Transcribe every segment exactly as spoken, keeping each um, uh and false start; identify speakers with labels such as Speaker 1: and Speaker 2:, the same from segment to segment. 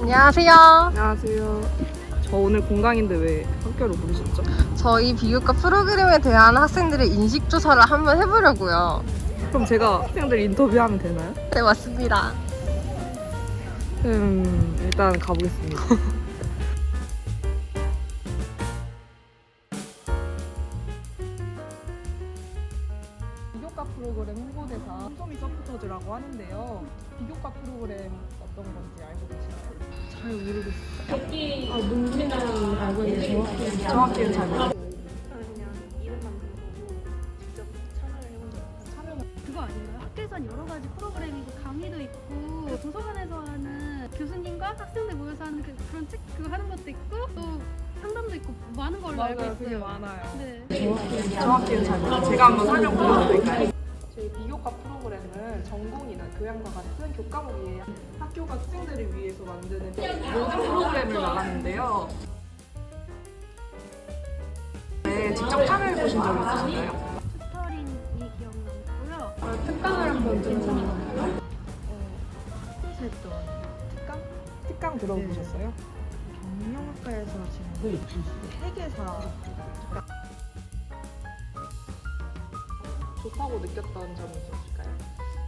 Speaker 1: 안녕하세요.
Speaker 2: 안녕하세요. 저 오늘 공강인데 왜 학교로 부르셨죠?
Speaker 1: 저희 비교과 프로그램에 대한 학생들의 인식 조사를 한번 해보려고요.
Speaker 2: 그럼 제가 학생들 인터뷰하면 되나요?
Speaker 1: 네, 맞습니다.
Speaker 2: 음, 일단 가보겠습니다. 비교과 프로그램 홍보대사 솜솜이 서포터즈라고 하는데요. 비교과 프로그램 어떤 건지 알고 계시나요? 잘 모르겠어요. 아, 뭔지는 알고 있는데 정확히, 정확히는 잘 모르겠어요.
Speaker 3: 그거 아닌가요? 학교에선 여러 가지 프로그램이고 강의도 있고 도서관에서 하는 교수님과 학생들 모여서 하는 그, 그런 책 그거 하는 것도 있고 또 상담도 있고 많은 걸로 알고
Speaker 2: 맞아요.
Speaker 3: 있어요.
Speaker 2: 그게 많아요.
Speaker 3: 네.
Speaker 2: 정확히는 잘 모르겠어요. 제가 한번 설명 드려드릴까요? 저희 비교과 프로그램은 전공이나 교양과 같은 교과목이에요. 학교가 학생들을 위해서 만드는 모든 프로그램을 말하는데요. 네, 직접 참여해보신 적 있으신가요?
Speaker 3: 튜터링이 기억나고요.
Speaker 2: 특강을 한번 들어보셨나요?
Speaker 4: 했던
Speaker 2: 특강? 특강 들어보셨어요?
Speaker 4: 경영학과에서 지금 회계사
Speaker 2: 좋다고 느꼈던 점이 있으실까요?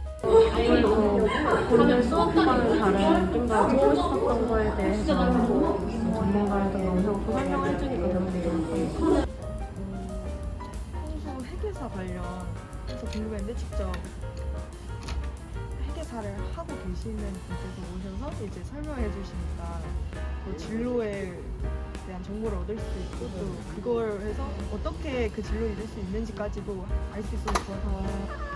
Speaker 4: 오늘 수업과는 다른 좀 더 듣고 싶었던 거에 대해서 전문가에서 영상으로 설명을 해주니까 너무 좋았어요. 평소 회계사 관련해서 궁금했는데 직접 회계사를 하고 계시는 분께서 오셔서 이제 설명해 주시니까 또 진로에 대한 정보를 얻을 수 있고 또 그걸 해서 어떻게 그 진로에 이룰 수 있는지까지도 알 수 있어서 좋아서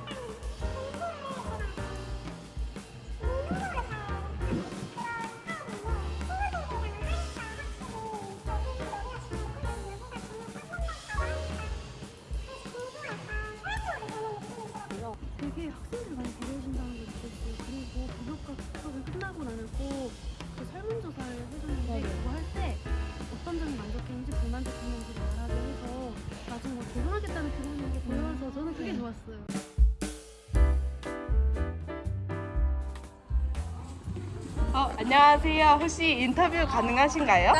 Speaker 3: 되게 학생들 많이 배려해준다는 걸 느꼈어요. 그리고 비교과 수업이 끝나고 나면 꼭 그 설문조사를 해줬는데 그거 할 때 어떤 점이 만족했는지 불만족했는지를 말하게 해서 나중에 뭐 도전하겠다는 그런 게 보여서 저는 그게 좋았어요.
Speaker 5: 어, 안녕하세요. 혹시 인터뷰 가능하신가요?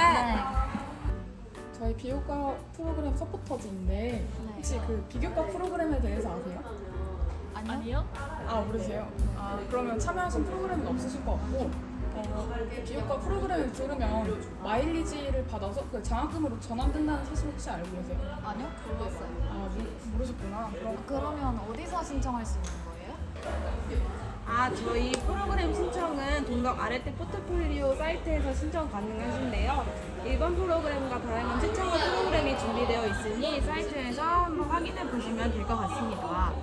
Speaker 6: 저희 비교과 프로그램 서포터즈인데 혹시 그 비교과 프로그램에 대해서 아세요? 아니요. 아 모르세요? 아 그러면 참여하신 프로그램은 없으실 것 같고 어, 비교과 프로그램을 들으면 마일리지를 받아서 그 장학금으로 전환된다는 사실 혹시 알고 계세요?
Speaker 7: 아니요, 몰랐어요.
Speaker 6: 아 모, 모르셨구나. 그럼
Speaker 7: 그러면 어디서 신청할 수 있는 거예요?
Speaker 5: 아, 저희 프로그램 신청은 동덕 아래떼 포트폴리오 사이트에서 신청 가능하신데요. 일반 프로그램과 다양한 추천과 프로그램이 준비되어 있으니 사이트에서 한번 확인해 보시면 될 것 같습니다.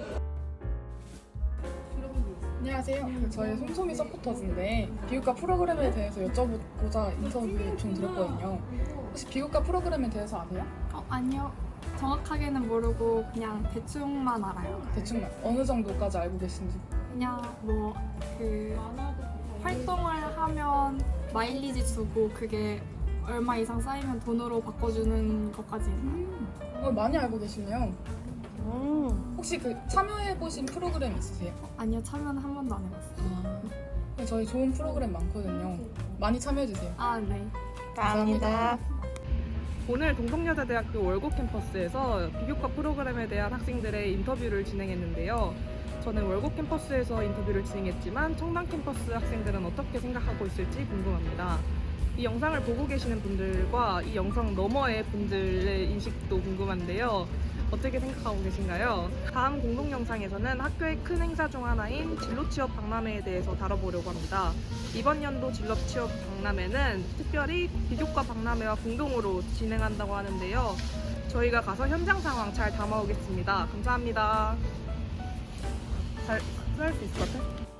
Speaker 6: 안녕하세요. 그 저희 솜솜이 서포터즈인데 비교과 프로그램에 대해서 여쭤보고자 인터뷰 요청 드렸거든요. 혹시 비교과 프로그램에 대해서 아세요?
Speaker 8: 어, 아니요. 정확하게는 모르고 그냥 대충만 알아요.
Speaker 6: 대충 어느 정도까지 알고 계신지.
Speaker 8: 그냥 뭐 그 활동을 하면 마일리지 주고 그게 얼마 이상 쌓이면 돈으로 바꿔주는 것까지 있나요?
Speaker 6: 어, 많이 알고 계시네요. 혹시 그 참여해보신 프로그램 있으세요?
Speaker 8: 아니요. 참여는 한 번도 안 해봤어요.
Speaker 6: 아, 저희 좋은 프로그램 많거든요. 많이 참여해주세요.
Speaker 8: 아, 네.
Speaker 5: 감사합니다.
Speaker 2: 오늘 동덕여자대학교 월곡 캠퍼스에서 비교과 프로그램에 대한 학생들의 인터뷰를 진행했는데요. 저는 월곡 캠퍼스에서 인터뷰를 진행했지만 청담 캠퍼스 학생들은 어떻게 생각하고 있을지 궁금합니다. 이 영상을 보고 계시는 분들과 이 영상 너머의 분들의 인식도 궁금한데요. 어떻게 생각하고 계신가요? 다음 공동 영상에서는 학교의 큰 행사 중 하나인 진로 취업 박람회에 대해서 다뤄보려고 합니다. 이번 연도 진로 취업 박람회는 특별히 비교과 박람회와 공동으로 진행한다고 하는데요. 저희가 가서 현장 상황 잘 담아오겠습니다. 감사합니다. 잘 할 수 있을 것 같아?